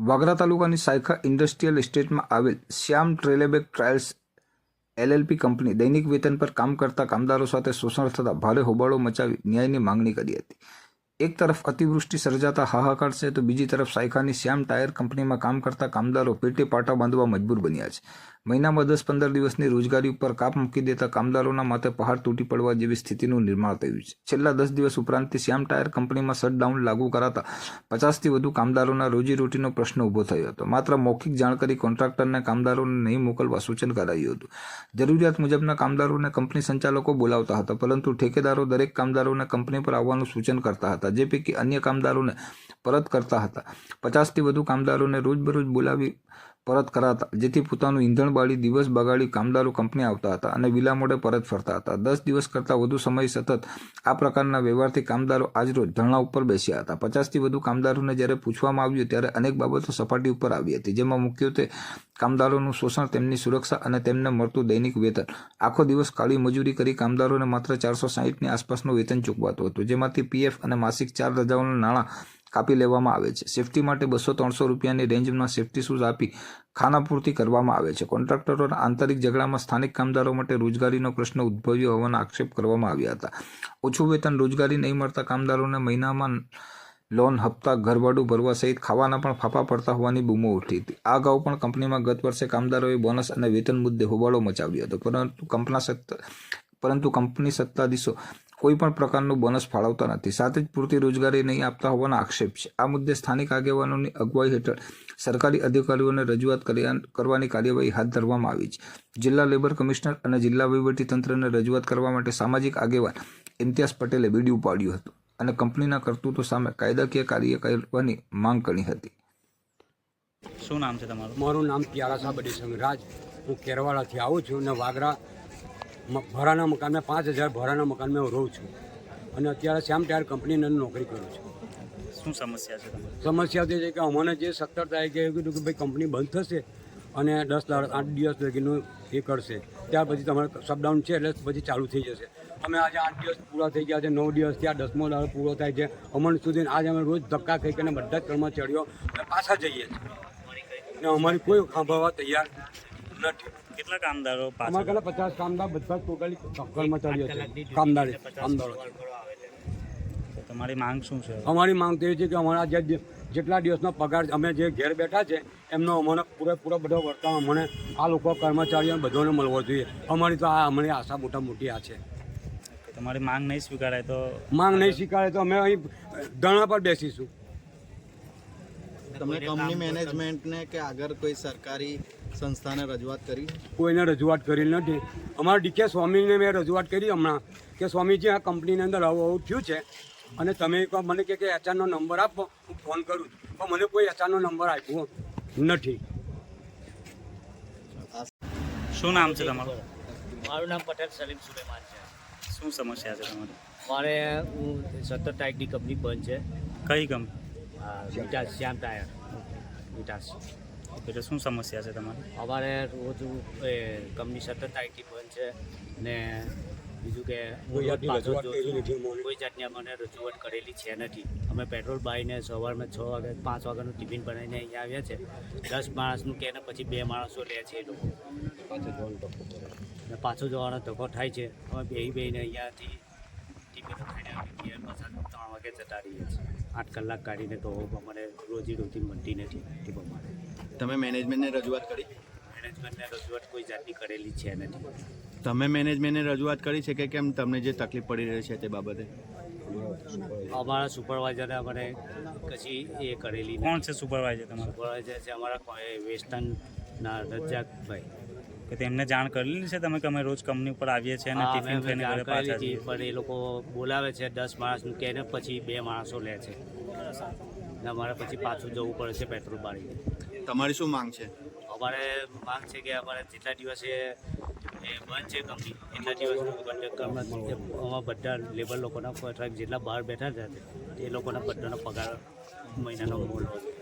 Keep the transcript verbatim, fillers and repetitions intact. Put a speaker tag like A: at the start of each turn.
A: વાગરા તાલુકાની સાયખા ઇન્ડસ્ટ્રીયલ એસ્ટેટમાં આવેલ શ્યામ ટ્રેલેબેક ટ્રાયલ્સ એલએલપી કંપની દૈનિક વેતન પર કામ કરતા કામદારો સાથે શોષણ થતા ભારે હોબાળો મચાવી ન્યાયની માંગણી કરી હતી. એક તરફ અતિવૃષ્ટિ સર્જાતા હાહાકાર છે, તો બીજી તરફ સાયખાની શ્યામ ટાયર કંપનીમાં કામ કરતા કામદારો પેટે પાટા બાંધવા મજબૂર બન્યા છે. મહિનામાં દસ પંદર દિવસની રોજગારી ઉપર કાપ મૂકી દેતા કામદારોના માથે પહાડ તૂટી પડવા જેવી સ્થિતિનું નિર્માણ થયું છે. છેલ્લા દસ દિવસ ઉપરાંતથી શ્યામ ટાયર કંપનીમાં શટડાઉન લાગુ કરાતા પચાસથી વધુ કામદારોના રોજીરોટીનો પ્રશ્ન ઊભો થયો હતો. માત્ર મૌખિક જાણકારી કોન્ટ્રાક્ટરને કામદારોને નહીં મોકલવા સૂચન કરાયું હતું. જરૂરિયાત મુજબના કામદારોને કંપની સંચાલકો બોલાવતા હતા, પરંતુ ઠેકેદારો દરેક કામદારોને કંપની પર આવવાનું સૂચન કરતા હતા, જે પૈકી અન્ય કામદારોને પરત કરતા હતા. પચાસથી વધુ કામદારોને રોજબરોજ બોલાવી પરત કરાતા, જેથી પોતાનું ઈંધણ બાળી દિવસ બગાડી કામદારો કંપની આવતા હતા અને વિલા મોડે પરત ફરતા હતા. દસ દિવસ કરતાં વધુ સમય સતત આ પ્રકારના વ્યવહારથી કામદારો આજરોજ ધરણા ઉપર બેસ્યા હતા. પચાસથી વધુ કામદારોને જ્યારે પૂછવામાં આવ્યું ત્યારે અનેક બાબતો સપાટી ઉપર આવી હતી, જેમાં મુખ્યત્વે કામદારોનું શોષણ, તેમની સુરક્ષા અને તેમને મળતું દૈનિક વેતન. આખો દિવસ કાળી મજૂરી કરી કામદારોને માત્ર ચારસો સાહીઠની આસપાસનું વેતન ચૂકવાતું હતું, જેમાંથી પીએફ અને માસિક ચાર રજાઓના નાણાં કાપી લેવામાં આવે છે. સેફટી માટે બસો ત્રણસો રૂપિયાની રેન્જમાં સેફટી શૂઝ આપી ખાનાપૂર્તિ કરવામાં આવે છે. કોન્ટ્રાક્ટરોના આંતરિક ઝઘડામાં સ્થાનિક કામદારો માટે રોજગારીનો પ્રશ્ન ઉદ્ભવ્યો હોવાના આક્ષેપ કરવામાં આવ્યા હતા. ઓછું વેતન, રોજગારી નહીં મળતા કામદારોને મહિનામાં લોન, હપ્તા, ઘરભાડું ભરવા સહિત ખાવાના પણ ફાફા પડતા હોવાની બૂમો ઉઠી હતી. આ અગાઉ પણ કંપનીમાં ગત વર્ષે કામદારોએ બોનસ અને વેતન મુદ્દે હોબાળો મચાવ્યો હતો, પરંતુ કંપના સત્તા પરંતુ કંપની સત્તાધીશો કોઈ પણ પ્રકારનું બોનસ ફાળવતા નથી, સાથે જ પૂરતી રોજગારી નહીં આપતા હોવાના આક્ષેપ છે. આ મુદ્દે સ્થાનિક આગેવાનોની અગવાઈ હેઠળ સરકારી અધિકારીઓને રજૂઆત કરવાની કાર્યવાહી હાથ ધરવામાં આવી છે. જિલ્લા લેબર કમિશનર અને જિલ્લા વહીવટીતંત્રને રજૂઆત કરવા માટે સામાજિક આગેવાન ઇમ્તિયાઝ પટેલે બીડિયું પાડ્યું હતું અને કંપનીના કરતૂતો સામે કાયદાકીય કાર્ય કરવાની માંગ કરી હતી.
B: શું નામ છે તમારું?
C: મારું નામ પ્યારાસા બડી સંગરાજ. હું કેરવાડાથી આવું છું અને વાગરા ભાડાના મકાનમાં પાંચ હજાર ભાડાના મકાનમાં હું રહું છું અને અત્યારે શ્યામ ટાયર કંપનીની અંદર નોકરી કરું છું.
B: શું સમસ્યા છે તમારી?
C: સમસ્યા તે છે કે અમને જે સત્તર તારીખે એવું કીધું કે ભાઈ કંપની બંધ થશે અને દસ આઠ દિવસ લગીનું એ કરશે, ત્યાર પછી તમારે શટડાઉન છે એટલે પછી ચાલુ થઈ જશે. અમે આજે આઠ દિવસ પૂરા થઈ ગયા છે, નવ દિવસ ત્યાં દસમો દાડો પૂરો થાય છે. અમણ સુધી આજે અમે રોજ ધક્કા ખાઈ કરીને બધા જ કર્મચારીઓ અમે પાછા જઈએ છીએ અને અમારી કોઈ સાંભળવા તૈયાર નથી.
B: કેટલા કામદારો?
C: અમારા પહેલાં પચાસ કામદાર, બધા ટોટલી કર્મચારીઓ છે, કામદારી કામદારો.
B: તમારી માંગ શું છે?
C: અમારી માંગ તો એ છે કે અમારા જે જેટલા દિવસનો પગાર અમે જે ઘેર બેઠા છે એમનો અમને પૂરેપૂરો બધો વર્તાવ અમને આ લોકો કર્મચારીઓ બધાને મળવો જોઈએ. અમારી તો આ અમારી આશા મોટા મોટી આ છે.
B: તમારી માંગ નહીં સ્વીકારાય તો?
C: માંગ નહીં સ્વીકારે તો અમે અહીં ધરણા પર બેસીશું.
D: તમે કંપની મેનેજમેન્ટને કે આગળ કોઈ સરકારી સંસ્થાને રજૂઆત કરી?
C: કોઈને રજૂઆત કરી નથી. અમારા ડીકે સ્વામીને મેં રજૂઆત કરી હમણાં કે સ્વામીજી આ કંપનીની અંદર આવું આવું થયું છે અને તમે એકવાર મને કે એચઆરનો નંબર આપો, હું ફોન કરું છું, પણ મને કોઈ એચઆરનો નંબર આપ્યો નથી.
B: શું નામ છે તમારું?
E: મારું નામ પટેલ સલીમ સુલેમાન છે.
B: શું સમસ્યા છે તમારી?
E: મારે હું સત્તર તારીખની કંપની બંધ છે.
B: કઈ કંપની?
E: વિટાસ, શ્યામ ટાયર વિટાસ.
B: એટલે શું સમસ્યા છે તમારી?
E: અમારે રોજ એ કંપની સત્તર તારીખથી બંધ છે અને બીજું કે
C: કોઈ જાતની
E: પાછો
C: રજૂઆત કરેલી નથી અમને.
E: કોઈ જાતની અમને રજૂઆત કરેલી છે નથી. અમે પેટ્રોલ બાળીને સવારમાં છ વાગે પાંચ વાગ્યાનું ટિફિન બનાવીને અહીંયા આવ્યા છે. દસ માણસનું કે ને પછી બે માણસો લે છે એ લોકો, અને પાછો જવાનો ધક્કો થાય છે. અમે બે બેને અહીંયાથી ટિફિનો ખાઈને ઘેર પાછા ત્રણ વાગે જતા રહીએ છીએ. આઠ કલાક કાઢીને તો અમારે રોજી રોટી મળતી નથી એ પ્રમાણે.
D: તમે મેનેજમેન્ટને રજૂઆત કરી?
E: મેનેજમેન્ટને રજૂઆત કોઈ જાતની કરેલી છે નથી.
D: તમે મેનેજમેન્ટને રજૂઆત કરી છે કે કેમ તમને જે તકલીફ પડી રહી છે તે બાબતે?
E: અમારા સુપરવાઇઝરે અમને કશી એ કરેલી નથી.
B: કોણ છે સુપરવાઇઝર તમારું?
E: સુપરવાઇઝર છે અમારા વેસ્ટર્નના રજાકભાઈ.
B: કે તેમને જાણ કરેલી છે તમે કે અમે રોજ કંપની ઉપર આવીએ છીએ અને
E: હા,
B: ટિફિન
E: અમે
B: ખાઈને ઘરે
E: જાણ
B: પાછા
E: કરેલી
B: જઈએ?
E: હતી, પણ એ લોકો બોલાવે છે દસ માણસનું કે ને પછી બે માણસો લે છે ને અમારે પછી પાછું જવું પડે છે પેટ્રોલ બાળીને.
D: તમારી શું માંગ છે?
E: અમારે માંગ છે કે અમારે જેટલા દિવસે એ બંધ છે કંપની એટલા દિવસનું અમારા બધા લેબર લોકોના કોન્ટ્રાક્ટ જેટલા બહાર બેઠા હતા એ લોકોના બધાનો પગાર મહિનાનો મોલ હોય.